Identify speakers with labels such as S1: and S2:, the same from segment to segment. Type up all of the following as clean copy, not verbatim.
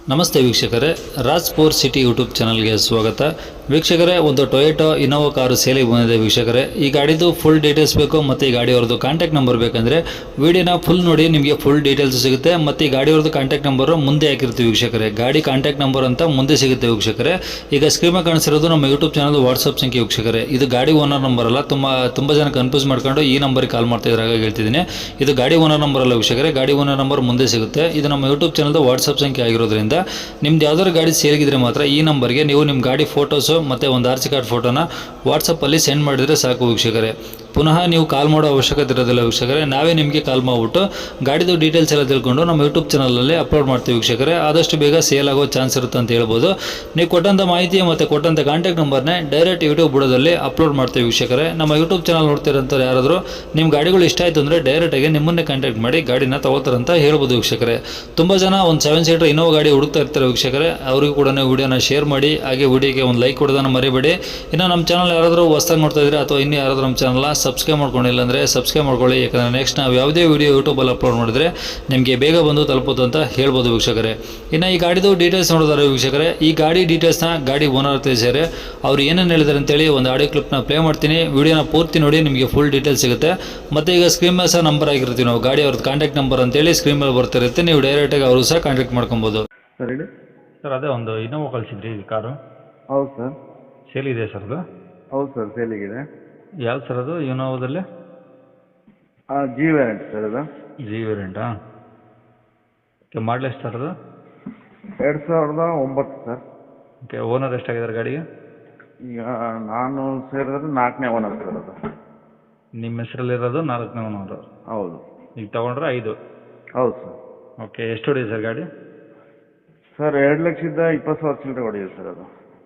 S1: ನಮಸ್ತೆ ವೀಕ್ಷಕರೇ, Raj sports city YouTube ಚಾನಲ್ಗೆ ಸ್ವಾಗತ. ವೀಕ್ಷಕರೇ, ಒಂದು ಟೊಯೋಟೋ ಇನೋವಾ ಕಾರು ಸೇಲಿಗೆ ಬಂದಿದೆ ವೀಕ್ಷಕರೇ. ಈ ಗಾಡಿದು ಫುಲ್ ಡೀಟೇಲ್ಸ್ ಬೇಕು ಮತ್ತು ಈ ಗಾಡಿಯವ್ರದ್ದು ಕಾಂಟ್ಯಾಕ್ಟ್ ನಂಬರ್ ಬೇಕಂದರೆ ವಿಡಿಯೋನ ಫುಲ್ ನೋಡಿ, ನಿಮಗೆ ಫುಲ್ ಡೀಟೇಲ್ಸ್ ಸಿಗುತ್ತೆ. ಮತ್ತು ಈ ಗಾಡಿಯವ್ರದ್ದು ಕಾಂಟ್ಯಾಕ್ಟ್ ನಂಬರು ಮುಂದೆ ಹಾಕಿರ್ತೀವಿ ವೀಕ್ಷಕರೇ. ಗಾಡಿ ಕಾಂಟ್ಯಾಕ್ಟ್ ನಂಬರ್ ಅಂತ ಮುಂದೆ ಸಿಗುತ್ತೆ ವೀಕ್ಷಕರೇ. ಈಗ ಸ್ಕ್ರೀನ್ ಮೇಲೆ ಕಾಣಿಸಿರೋದು ನಮ್ಮ ಯೂಟ್ಯೂಬ್ ಚಾನಲ್ ವಾಟ್ಸಪ್ ಸಂಖ್ಯೆ ವೀಕ್ಷಕರೇ. ಇದು ಗಾಡಿ ಓನರ್ ನಂಬರ್ ಅಲ್ಲ. ತುಂಬ ಜನ ಕನ್ಫ್ಯೂಸ್ ಮಾಡ್ಕೊಂಡು ಈ ನಂಬರಿಗೆ ಕಾಲ್ ಮಾಡ್ತಾ ಇದ್ದಾರೆ, ಹಾಗಾಗಿ ಹೇಳ್ತಿದ್ದೀನಿ. ಇದು ಗಾಡಿ ಓನರ್ ನಂಬರ್ ಅಲ್ಲ ವೀಕ್ಷಕರೇ. ಗಾಡಿ ಓನರ್ ನಂಬರ್ ಮುಂದೆ ಸಿಗುತ್ತೆ. ಇದು ನಮ್ಮ ಯೂಟ್ಯೂಬ್ ಚಾನಲ್ದು ವಾಟ್ಸಪ್ ಸಂಖ್ಯೆ ಆಗಿರೋದ್ರಿಂದ ನಿಮ್ದು ಯಾವ್ದಾದ್ರು ಗಾಡಿ ಸೇರಿಗಿದ್ರೆ ಮಾತ್ರ ಈ ನಂಬರ್ಗೆ ನೀವು ನಿಮ್ಮ ಗಾಡಿ ಫೋಟೋಸು ಮತ್ತು ಒಂದು ಆರ್ ಸಿ ಕಾರ್ಡ್ ಫೋಟೋನ ವಾಟ್ಸಪ್ಪಲ್ಲಿ ಸೆಂಡ್ ಮಾಡಿದರೆ ಸಾಕು ವೀಕ್ಷಕರೇ. ಪುನಃ ನೀವು ಕಾಲ್ ಮಾಡೋ ಅವಶ್ಯಕತೆ ಇರೋದಿಲ್ಲ ವೀಕ್ಷಕರೇ. ನಾವೇ ನಿಮಗೆ ಕಾಲ್ ಮಾಡಿಬಿಟ್ಟು ಗಾಡಿದು ಡೀಟೇಲ್ಸ್ ಎಲ್ಲ ತಿಳ್ಕೊಂಡು ನಮ್ಮ ಯೂಟ್ಯೂಬ್ ಚಾನಲಲ್ಲಿ ಅಪ್ಲೋಡ್ ಮಾಡ್ತೀವಿ ವೀಕ್ಷಕರೇ. ಆದಷ್ಟು ಬೇಗ ಸೇಲ್ ಆಗೋ ಚಾನ್ಸ್ ಇರುತ್ತೆ ಅಂತ ಹೇಳ್ಬೋದು. ನೀವು ಕೊಟ್ಟಂಥ ಮಾಹಿತಿ ಮತ್ತು ಕೊಟ್ಟಂಥ ಕಾಂಟ್ಯಾಕ್ಟ್ ನಂಬರ್ನೇ ಡೈರೆಕ್ಟ್ ಯೂಟ್ಯೂಬ್ ಬುಡದಲ್ಲಿ ಅಪ್ಲೋಡ್ ಮಾಡ್ತೀವಿ ವೀಕ್ಷಕರೇ. ನಮ್ಮ ಯೂಟ್ಯೂಬ್ ಚಾನಲ್ ನೋಡ್ತಿರೋಂಥವ್ರು ಯಾರಾದರೂ ನಿಮ್ಮ ಗಾಡಿಗಳು ಇಷ್ಟ ಆಯಿತು ಅಂದರೆ ಡೈರೆಕ್ಟಾಗಿ ನಿಮ್ಮನ್ನೇ ಕಾಂಟ್ಯಾಕ್ಟ್ ಮಾಡಿ ಗಾಡಿನ ತಗೋತಾರಂತ ಹೇಳ್ಬೋದು ವೀಕ್ಷಕರೇ. ತುಂಬ ಜನ ಒಂದು 7 ಸೀಟರ್ ಇನೋವಾ ಗಾಡಿ ಹುಡುಕ್ತಾ ಇರ್ತಾರೆ ವೀಕ್ಷಕರೇ. ಅವರಿಗೂ ಕೂಡ ವಿಡಿಯೋನ ಶೇರ್ ಮಾಡಿ, ಹಾಗೆ ವಿಡಿಯೋಗೆ ಒಂದು ಲೈಕ್ ಕೊಡೋದನ್ನು ಮರಿಬೇಡಿ. ಇನ್ನು ನಮ್ಮ ಚಾನಲ್ ಯಾರಾದರೂ ಹೊಸ್ದಾಗಿ ನೋಡ್ತಾ ಇದ್ರೆ ಅಥವಾ ಇನ್ನೂ ಯಾರಾದರೂ ನಮ್ಮ ಚಾನಲ್ನ ಸಬ್ಸ್ಕ್ರೈಬ್ ಮಾಡ್ಕೊಂಡಿಲ್ಲ ಅಂದರೆ ಸಬ್ಸ್ಕ್ರೈಬ್ ಮಾಡ್ಕೊಳ್ಳಿ. ಯಾಕಂದರೆ ನೆಕ್ಸ್ಟ್ ನಾವು ಯಾವುದೇ ವಿಡಿಯೋ ಯೂಟ್ಯೂಬಲ್ಲಿ ಅಪ್ಲೋಡ್ ಮಾಡಿದ್ರೆ ನಿಮಗೆ ಬೇಗ ಬಂದು ತಲುಪೋದು ಅಂತ ಹೇಳ್ಬೋದು ವೀಕ್ಷಕರೇ. ಇನ್ನು ಈ ಗಾಡಿದು ಡೀಟೇಲ್ಸ್ ನೋಡಿದಾರೆ ವೀಕ್ಷಕರೇ. ಈ ಗಾಡಿ ಡೀಟೇಲ್ಸ್ನ ಗಾಡಿ ಓನರ್ ತಿಳಿಸಿದ್ದಾರೆ. ಅವ್ರು ಏನೇನು ಹೇಳಿದ್ದಾರೆ ಅಂತೇಳಿ ಒಂದು ಆಡಿಯೋ ಕ್ಲಿಪ್ನ ಪ್ಲೇ ಮಾಡ್ತೀನಿ. ವಿಡಿಯೋನ ಪೂರ್ತಿ ನೋಡಿ, ನಿಮಗೆ ಫುಲ್ ಡೀಟೇಲ್ಸ್ ಸಿಗುತ್ತೆ. ಮತ್ತು ಈಗ ಸ್ಕ್ರೀನ್ ಮೇಲೆ ಸಹ ನಂಬರ್ ಆಗಿರ್ತೀವಿ ನಾವು, ಗಾಡಿ ಅವ್ರದ್ದು ಕಾಂಟ್ಯಾಕ್ಟ್ ನಂಬರ್ ಅಂತೇಳಿ ಸ್ಕ್ರೀನ್ ಮೇಲೆ ಬರ್ತಿರುತ್ತೆ. ನೀವು ಡೈರೆಕ್ಟಾಗಿ ಅವರು ಸಹ ಕಾಂಟ್ಯಾಕ್ಟ್ ಮಾಡ್ಕೊಬೋದು. ಸರ್, ಅದೇ ಒಂದು ಇನೋವಾ ಕಳಿಸಿದ್ರಿ ಈ ಕಾರು.
S2: ಹೌದು ಸರ್.
S1: ಸೇಲ್ ಇದೆ ಸರ್ ಅದು?
S2: ಹೌದು ಸರ್, ಸೇಲಿಗಿದೆ.
S1: ಯಾವ್ದು ಸರ್ ಅದು ಇನೋವಾದಲ್ಲಿ?
S2: ಜಿ ವೇರಿಯಂಟ್ ಸರ್ ಅದು.
S1: ಜಿ ವೇರಿಯಂಟಾ? ಓಕೆ, ಮಾಡಲ್ ಎಷ್ಟು ಸರ್ ಅದು?
S2: 2009 ಸರ್.
S1: ಓಕೆ, ಓನರ್ ಎಷ್ಟಾಗಿದ್ದಾರೆ ಗಾಡಿಗೆ?
S2: ಈಗ ನಾನು ಸೇರಿದ್ರೆ 4ನೇ ಓನರ್ ಸರ್ ಅದು.
S1: ನಿಮ್ಮ ಹೆಸರಲ್ಲಿರೋದು 4ನೇ ಓನರು?
S2: ಹೌದು.
S1: ಈಗ ತೊಗೊಂಡ್ರೆ 5?
S2: ಹೌದು ಸರ್.
S1: ಓಕೆ, ಎಷ್ಟು ಹೊಡಿದೆ ಸರ್ ಗಾಡಿ?
S2: ಸರ್ 2,20,000 ಚಿಲ್ಲರೆ ಹೊಡಿದೆ ಸರ್ ಅದು.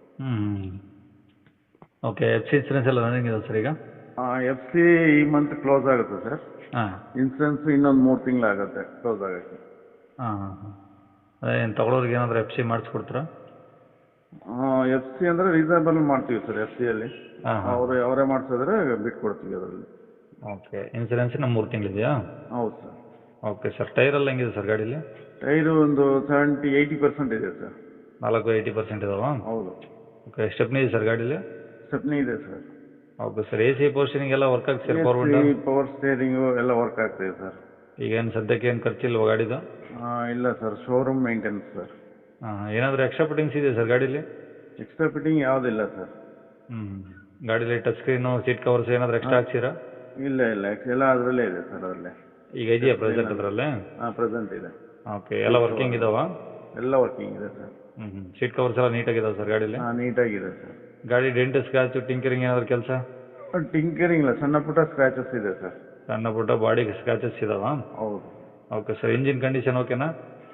S1: ಓಕೆ, ಎಫ್ ಸಿ ಇನ್ಸೂರೆನ್ಸ್ ಎಲ್ಲ ರನ್ನಿಂಗ್ ಇದೆ ಸರ್ ಈಗ?
S2: ಎಫ್ ಸಿ ಈ ಮಂತ್ ಕ್ಲೋಸ್ ಆಗುತ್ತೆ ಸರ್.
S1: ಹಾಂ.
S2: ಇನ್ಸೂರೆನ್ಸ್ ಇನ್ನೊಂದು 3 ತಿಂಗಳಾಗುತ್ತೆ ಕ್ಲೋಸ್ ಆಗೋಕ್ಕೆ.
S1: ಹಾಂ ಹಾಂ ಹಾಂ. ಅದೇ ಏನು ತೊಗೊಳೋರಿಗೆ ಏನಾದರೂ ಎಫ್ ಸಿ ಮಾಡಿಸ್ಕೊಡ್ತೀರಾ?
S2: ಎಫ್ ಸಿ ಅಂದರೆ ರೀಸನಬಲ್ ಮಾಡ್ತೀವಿ ಸರ್. ಎಫ್ ಸಿಯಲ್ಲಿ
S1: ಹಾಂ ಹಾಂ.
S2: ಅವರೇ ಮಾಡಿಸಿದ್ರೆ ಬಿಟ್ಕೊಡ್ತೀವಿ ಅದರಲ್ಲಿ.
S1: ಓಕೆ, ಇನ್ಸೂರೆನ್ಸಿನ 3 ತಿಂಗಳಿದೆಯಾ?
S2: ಹೌದು ಸರ್.
S1: ಓಕೆ ಸರ್, ಟೈರೆಲ್ಲ ಹೆಂಗಿದೆ ಸರ್ ಗಾಡೀಲಿ?
S2: ಟೈರು ಒಂದು 70-80% ಇದೆ ಸರ್.
S1: 4-80% ಇದಾವಾ?
S2: ಹೌದು.
S1: ಓಕೆ, ಸ್ಟೆಪ್ನಿ ಇದೆ ಸರ್ ಗಾಡೀಲಿ?
S2: ಸ್ಟೆಪ್ನಿ ಇದೆ sir.
S1: Okay sir, A C ಪೋರ್ಷನಿಂಗ್ ಎಲ್ಲ ವರ್ಕ್ ಆಗ್ತದೆ ಸರ್?
S2: ಪವರ್ ಸ್ಟೇರಿಂಗು ಎಲ್ಲ ವರ್ಕ್ ಆಗ್ತಿದೆ ಸರ್.
S1: ಈಗ ಏನು ಸದ್ಯಕ್ಕೆ ಏನು ಖರ್ಚಿಲ್ವ ಗಾಡಿದು?
S2: ಇಲ್ಲ ಸರ್, ಶೋರೂಮ್ ಮೇಂಟೆನೆನ್ಸ್ ಸರ್.
S1: ಹಾಂ, ಏನಾದರೂ ಎಕ್ಸ್ಟ್ರಾ ಫಿಟ್ಟಿಂಗ್ಸ್ ಇದೆ ಸರ್ ಗಾಡೀಲಿ?
S2: ಎಕ್ಸ್ಟ್ರಾ ಫಿಟ್ಟಿಂಗ್ ಯಾವುದಿಲ್ಲ ಸರ್.
S1: ಗಾಡೀಲಿ ಟಚ್ ಸ್ಕ್ರೀನು, ಸೀಟ್ ಕವರ್ಸ್ ಏನಾದರೂ ಎಕ್ಸ್ಟ್ರಾ ಹಾಕ್ಸಿರಾ?
S2: ಇಲ್ಲ ಎಲ್ಲ ಅದರಲ್ಲೇ ಇದೆ ಸರ್. ಅದರಲ್ಲೇ
S1: ಈಗ ಇದೆಯಾ ಪ್ರೆಸೆಂಟ್ ಅದರಲ್ಲೇ?
S2: ಪ್ರೆಸೆಂಟ್ ಇದೆ.
S1: ಓಕೆ, ಎಲ್ಲ ವರ್ಕಿಂಗ್ ಇದಾವಾ?
S2: ಎಲ್ಲ ವರ್ಕಿಂಗ್ ಇದೆ ಸರ್.
S1: ಸೀಟ್ ಕವರ್ಸ್ ಎಲ್ಲ ನೀಟಾಗಿದಾವೆ ಸರ್ ಗಾಡೀಲಿ?
S2: ನೀಟಾಗಿದೆ ಸರ್.
S1: ಗಾಡಿ ಡೆಂಟ್, ಸ್ಕ್ರಾಚು, ಟಿಂಕರಿಂಗ್ ಏನಾದರೂ ಕೆಲಸ?
S2: ಟಿಂಕರಿಂಗ್ ಇಲ್ಲ, ಸಣ್ಣ ಪುಟ್ಟ ಸ್ಕ್ರಾಚಸ್ ಇದೆ ಸರ್.
S1: ಸಣ್ಣ ಪುಟ್ಟ ಬಾಡಿ ಸ್ಕ್ರಾಚಸ್ ಇದಾವಾ?
S2: ಹೌದು.
S1: ಓಕೆ ಸರ್, ಇಂಜಿನ್ ಕಂಡೀಷನ್ ಓಕೆನಾ?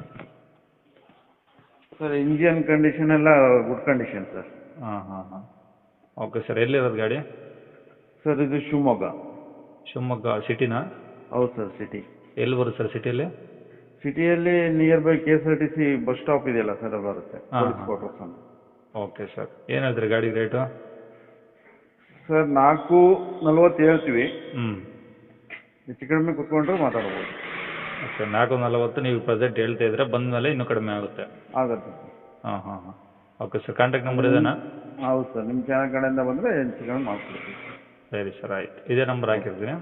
S2: ಸರ್ ಇಂಜಿನ್ ಕಂಡೀಷನ್ ಎಲ್ಲ ಗುಡ್ ಕಂಡೀಷನ್ ಸರ್.
S1: ಹಾಂ ಹಾಂ ಹಾಂ. ಓಕೆ ಸರ್, ಎಲ್ಲಿರೋದು ಗಾಡಿ?
S2: ಸರ್ ಇದು ಶಿವಮೊಗ್ಗ.
S1: ಶಿವಮೊಗ್ಗ ಸಿಟಿನಾ?
S2: ಹೌದು ಸರ್, ಸಿಟಿ.
S1: ಎಲ್ಲಿ ಬರುತ್ತೆ ಸರ್ ಸಿಟಿಯಲ್ಲಿ?
S2: ಸಿಟಿಯಲ್ಲಿ near by KSRTC bus stop ಇದೆಯಲ್ಲ ಸರ್, ಅದು ಬರುತ್ತೆ. ಪೊಲೀಸ್ ಕ್ವಾರ್ಟರ್ಸ್ ಅಂತ.
S1: ಓಕೆ ಸರ್, ಏನು ಹೇಳ್ತೀರಿ ಗಾಡಿ ರೇಟು?
S2: ಸರ್ 440 ಹೇಳ್ತೀವಿ.
S1: ಹ್ಞೂ.
S2: ಹೆಚ್ಚು ಕಡಿಮೆ ಕುತ್ಕೊಂಡ್ರೆ ಮಾತಾಡ್ಬೋದು.
S1: ಓಕೆ, 440 ನೀವು ಪ್ರೆಸೆಂಟ್ ಹೇಳ್ತಾ ಇದ್ರೆ, ಬಂದ ಮೇಲೆ ಇನ್ನೂ ಕಡಿಮೆ ಆಗುತ್ತೆ?
S2: ಆಗುತ್ತೆ ಸರ್.
S1: ಹಾಂ ಹಾಂ ಹಾಂ. ಓಕೆ ಸರ್, ಕಾಂಟ್ಯಾಕ್ಟ್ ನಂಬರ್ ಇದೇನಾ?
S2: ಹೌದು ಸರ್, ನಿಮ್ಮ ಚಾನಲ್ ಕಡೆಯಿಂದ ಬಂದರೆ ಹೆಚ್ಚು ಕಡಿಮೆ ಮಾಡ್ಕೊಡ್ತೀವಿ.
S1: ಸರಿ ಸರ್, ಆಯ್ತು. ಇದೇ ನಂಬರ್ ಹಾಕಿರ್ತೀನಿ.